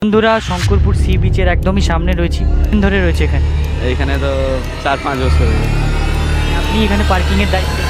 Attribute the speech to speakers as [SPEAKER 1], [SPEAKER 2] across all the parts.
[SPEAKER 1] বন্ধুরা, শঙ্করপুর সি বিচের একদমই সামনে রয়েছি। ধরে রয়েছে এখানে
[SPEAKER 2] এইখানে তো 4-5 বছর হয়ে গেছে।
[SPEAKER 1] আপনি এখানে পার্কিংয়ের দায়িত্বে।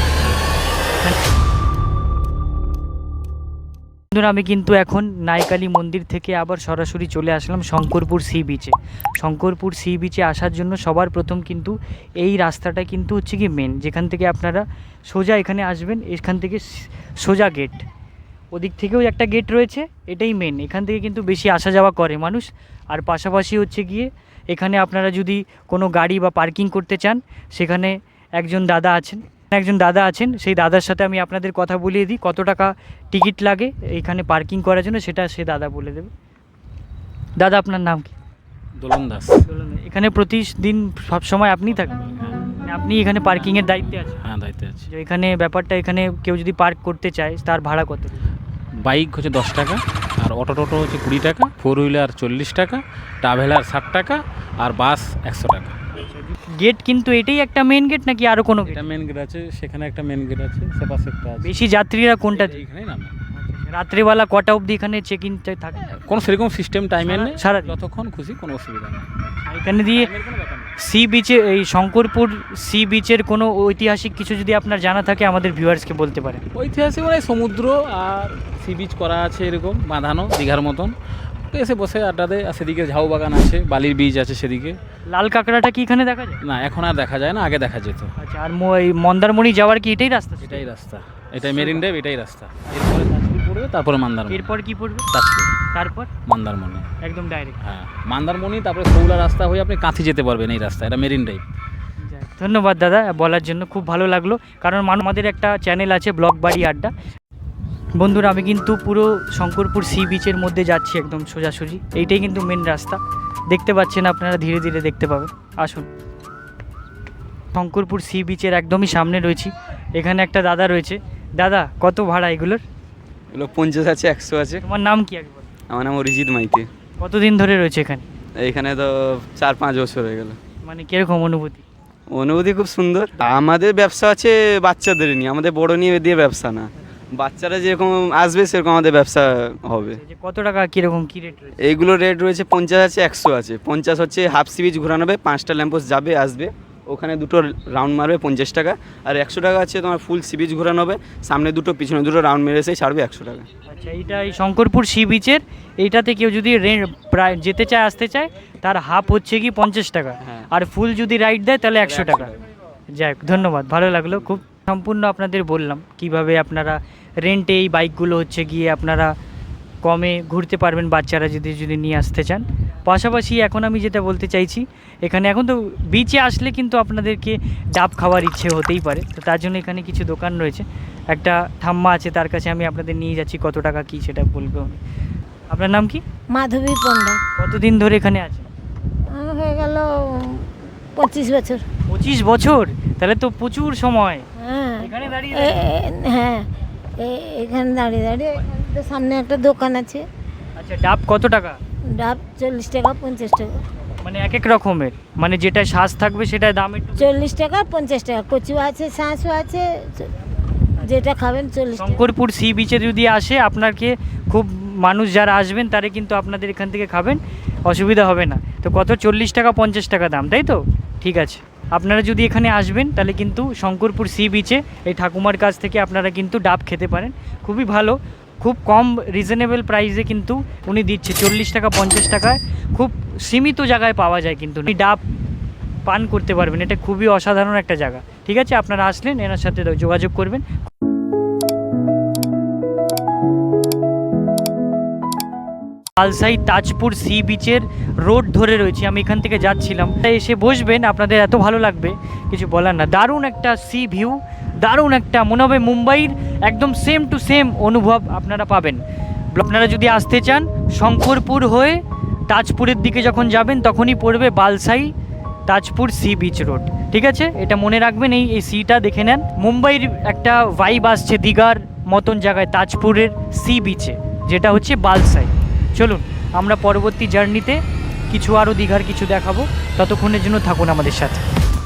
[SPEAKER 1] বন্ধুরা, আমি কিন্তু এখন নাইকালি মন্দির থেকে আবার সরাসরি চলে আসলাম শঙ্করপুর সি বিচে। শঙ্করপুর সি বিচে আসার জন্য সবার প্রথম কিন্তু এই রাস্তাটা কিন্তু হচ্ছে কি মেন, যেখান থেকে আপনারা সোজা এখানে আসবেন। এখান থেকে সোজা গেট, ওদিক থেকেও একটা গেট রয়েছে, এটাই মেন। এখান থেকে কিন্তু বেশি আসা যাওয়া করে মানুষ। আর পাশাপাশি হচ্ছে গিয়ে এখানে আপনারা যদি কোনো গাড়ি বা পার্কিং করতে চান, সেখানে একজন দাদা আছেন, সেই দাদার সাথে আমি আপনাদের কথা বলিয়ে দিই কত টাকা টিকিট লাগে এখানে পার্কিং করার জন্য, সেটা সে দাদা বলে দেবে। দাদা, আপনার নাম কি?
[SPEAKER 2] দোলন দাস।
[SPEAKER 1] এখানে প্রতিদিন সব সময় আপনিই থাকেন? আপনি এখানে পার্কিংয়ের দায়িত্বে আছেন?
[SPEAKER 2] হ্যাঁ, দায়িত্বে আছি।
[SPEAKER 1] যে এখানে ব্যাপারটা, এখানে কেউ যদি পার্ক করতে চায় তার ভাড়া কত?
[SPEAKER 2] বাইক হচ্ছে 10 টাকা, আর টোটো হচ্ছে 20 টাকা, 4 হুইলার 40 টাকা, ট্রাভেলার 60 টাকা, আর বাস 100 টাকা।
[SPEAKER 1] গেট কিন্তু এটাই একটা মেন গেট নাকি আরও কোনো গেট?
[SPEAKER 2] এটা মেন গেট আছে, সেখানে একটা মেন গেট আছে, সে পাশে একটা আছে।
[SPEAKER 1] বেশি যাত্রীরা কোনটা?
[SPEAKER 2] এইখানেই নামে।
[SPEAKER 1] রাত্রিবেলা কটা অবধি এখানে চেক ইন থাকে?
[SPEAKER 2] কোনো সেরকম সিস্টেম টাইমের নেই,
[SPEAKER 1] সারা
[SPEAKER 2] যতক্ষণ খুশি, কোনো অসুবিধা নেই।
[SPEAKER 1] এখানে দিয়ে
[SPEAKER 2] টাইমের কোনো ব্যাপার নেই।
[SPEAKER 1] সি বিচে, এই শঙ্করপুর সি বিচের কোনো ঐতিহাসিক কিছু যদি আপনার জানা থাকে আমাদের ভিউয়ার্সকে বলতে পারেন।
[SPEAKER 2] ঐতিহাসিক মানে সমুদ্র আর সি বিচ করা আছে, এরকম বাঁধানো দীঘার মতন। এসে বসে আড্ডা দেয়। আর সেদিকে ঝাউ বাগান আছে, বালির বীজ আছে সেদিকে।
[SPEAKER 1] লাল কাঁকড়াটা কি এখানে দেখা যায়?
[SPEAKER 2] না, এখন আর দেখা যায় না, আগে দেখা যেত।
[SPEAKER 1] আচ্ছা, আর এই মন্দারমণি যাওয়ার কি এটাই রাস্তা?
[SPEAKER 2] এটাই রাস্তা, এটাই মেরিন ড্রাইভ, এটাই রাস্তা। এরপরে তাজপুর পড়বে, তারপরে মন্দারমণি।
[SPEAKER 1] এরপর কি পড়বে?
[SPEAKER 2] তাজপুর,
[SPEAKER 1] তারপর
[SPEAKER 2] মন্দারমণি,
[SPEAKER 1] একদম ডাইরেক্ট।
[SPEAKER 2] হ্যাঁ মন্দারমণি, তারপরে সৌলা রাস্তা হয়ে আপনি কাঁথি যেতে পারবেন। এই রাস্তা, এটা মেরিন ড্রাইভ।
[SPEAKER 1] ধন্যবাদ দাদা বলার জন্য, খুব ভালো লাগলো। কারণ আমাদের একটা চ্যানেল আছে ব্লগ বাড়ি আড্ডা। বন্ধুরা, আমি কিন্তু পুরো শঙ্করপুর সি বিচের মধ্যে যাচ্ছি, একদম সোজাসুজি। এইটাই কিন্তু মেন রাস্তা, দেখতে পাচ্ছেন আপনারা, ধীরে ধীরে দেখতে পাবেন। আসুন, শঙ্করপুর সি বিচের একদমই সামনে রয়েছি। এখানে একটা দাদা রয়েছে। দাদা, কত ভাড়া এগুলোর?
[SPEAKER 3] এগুলো 50 আছে, 100 আছে।
[SPEAKER 1] তোমার নাম কি একবার?
[SPEAKER 3] আমার নাম অরিজিৎ মাইতি।
[SPEAKER 1] কতদিন ধরে রয়েছে এখানে?
[SPEAKER 3] এইখানে তো 4-5 বছর হয়ে গেল।
[SPEAKER 1] মানে কীরকম অনুভূতি?
[SPEAKER 3] অনুভূতি খুব সুন্দর। আমাদের ব্যবসা আছে বাচ্চাদের নিয়ে, আমাদের বড় নিয়ে দিয়ে ব্যবসা না। বাচ্চারা যেরকম আসবে সেরকম আমাদের ব্যবসা হবে।
[SPEAKER 1] যে কত টাকা, কীরকম কী রেট রয়েছে?
[SPEAKER 3] এইগুলো রেট রয়েছে 50 আছে, 100 আছে। 50 হচ্ছে হাফ সি বিচ ঘোরানো হবে, 5টা ল্যাম্পোস্ট যাবে আসবে, ওখানে 2টো রাউন্ড মারবে 50 টাকা। আর 100 টাকা আছে তোমার ফুল সি বিচ ঘোরানো হবে, সামনে 2টো পিছনে 2টো রাউন্ড মেরে এসে ছাড়বে 100 টাকা।
[SPEAKER 1] আচ্ছা, এইটা এই শঙ্করপুর সি বিচের এইটাতে কেউ যদি প্রায় যেতে চায়, আসতে চায়, তার হাফ হচ্ছে কি 50 টাকা।
[SPEAKER 3] হ্যাঁ।
[SPEAKER 1] আর ফুল যদি রাইড দেয় তাহলে 100 টাকা। যাই হোক, ধন্যবাদ, ভালো লাগলো খুব। সম্পূর্ণ আপনাদের বললাম কিভাবে আপনারা রেন্টে এই বাইকগুলো হচ্ছে গিয়ে আপনারা কমে ঘুরতে পারবেন, বাচ্চারা যদি নিয়ে আসতে চান। পাশাপাশি এখন আমি যেটা বলতে চাইছি, এখানে এখন তো বিচে আসলে কিন্তু আপনাদেরকে ডাব খাওয়ার ইচ্ছে হতেই পারে, তো তার জন্য এখানে কিছু দোকান রয়েছে। একটা ঠাম্মা আছে, তার কাছে আমি আপনাদের নিয়ে যাচ্ছি, কত টাকা কী সেটা বলবো উনি। আপনার নাম কি?
[SPEAKER 4] মাধবী পণ্ডা।
[SPEAKER 1] কতদিন ধরে এখানে আছে?
[SPEAKER 4] হয়ে গেল 25 বছর।
[SPEAKER 1] 25 বছর? তাহলে তো প্রচুর সময়।
[SPEAKER 4] হ্যাঁ,
[SPEAKER 1] এখানে দাঁড়িয়ে
[SPEAKER 4] হ্যাঁ, এখানে দাঁড়িয়ে দাঁড়িয়ে। এখানে তো সামনে একটা দোকান আছে।
[SPEAKER 1] আচ্ছা, ডাব কত টাকা?
[SPEAKER 4] ডাব 40 টাকা, 50 টাকা।
[SPEAKER 1] মানে এক এক রকমের, মানে যেটা শ্বাস থাকবে সেটা দাম একটু
[SPEAKER 4] 40 টাকা, 50 টাকা। কচু আছে, শাঁসও আছে, যেটা খাবেন 40 টাকা।
[SPEAKER 1] শঙ্করপুর সি বিচে যদি আসে, আপনাকে খুব মানুষ যারা আসবেন তারা কিন্তু আপনাদের এখান থেকে খাবেন, অসুবিধা হবে না। তো কত? 40 টাকা, 50 টাকা দাম, তাই তো? ঠিক আছে, আপনারা যদি এখানে আসবেন তাহলে কিন্তু শঙ্করপুর সি বিচে এই ঠাকুমার কাছ থেকে আপনারা কিন্তু ডাব খেতে পারেন। খুবই ভালো, খুব কম রিজনেবল প্রাইসে কিন্তু উনি দিচ্ছে। 40 টাকা, 50 টাকায় খুব সীমিত জায়গায় পাওয়া যায় কিন্তু উনি ডাব পান করতে পারবেন। এটা খুবই অসাধারণ একটা জায়গা। ঠিক আছে, আপনারা আসলেন, এনার সাথে যোগাযোগ করবেন। বালসাই তাজপুর সি বিচের রোড ধরে রয়েছি, আমি এখান থেকে যাচ্ছিলাম। এসে বসবেন, আপনাদের এত ভালো লাগবে কিছু বলার না। দারুণ একটা সি ভিউ, দারুণ একটা, মনে হবে মুম্বাইয়ের একদম সেম টু সেম অনুভব আপনারা পাবেন। আপনারা যদি আসতে চান, শঙ্করপুর হয়ে তাজপুরের দিকে যখন যাবেন তখনই পড়বে Balsai Tajpur sea beach road. ঠিক আছে, এটা মনে রাখবেন, এই সিটা দেখে নেন। মুম্বাইয়ের একটা ভাইব আসছে দীঘার মতন জায়গায়, তাজপুরের সি বিচে, যেটা হচ্ছে বালসাই। চলুন, আমরা পরবর্তী জার্নিতে কিছু আরও দীঘার কিছু দেখাবো, ততক্ষণের জন্য থাকুন আমাদের সাথে।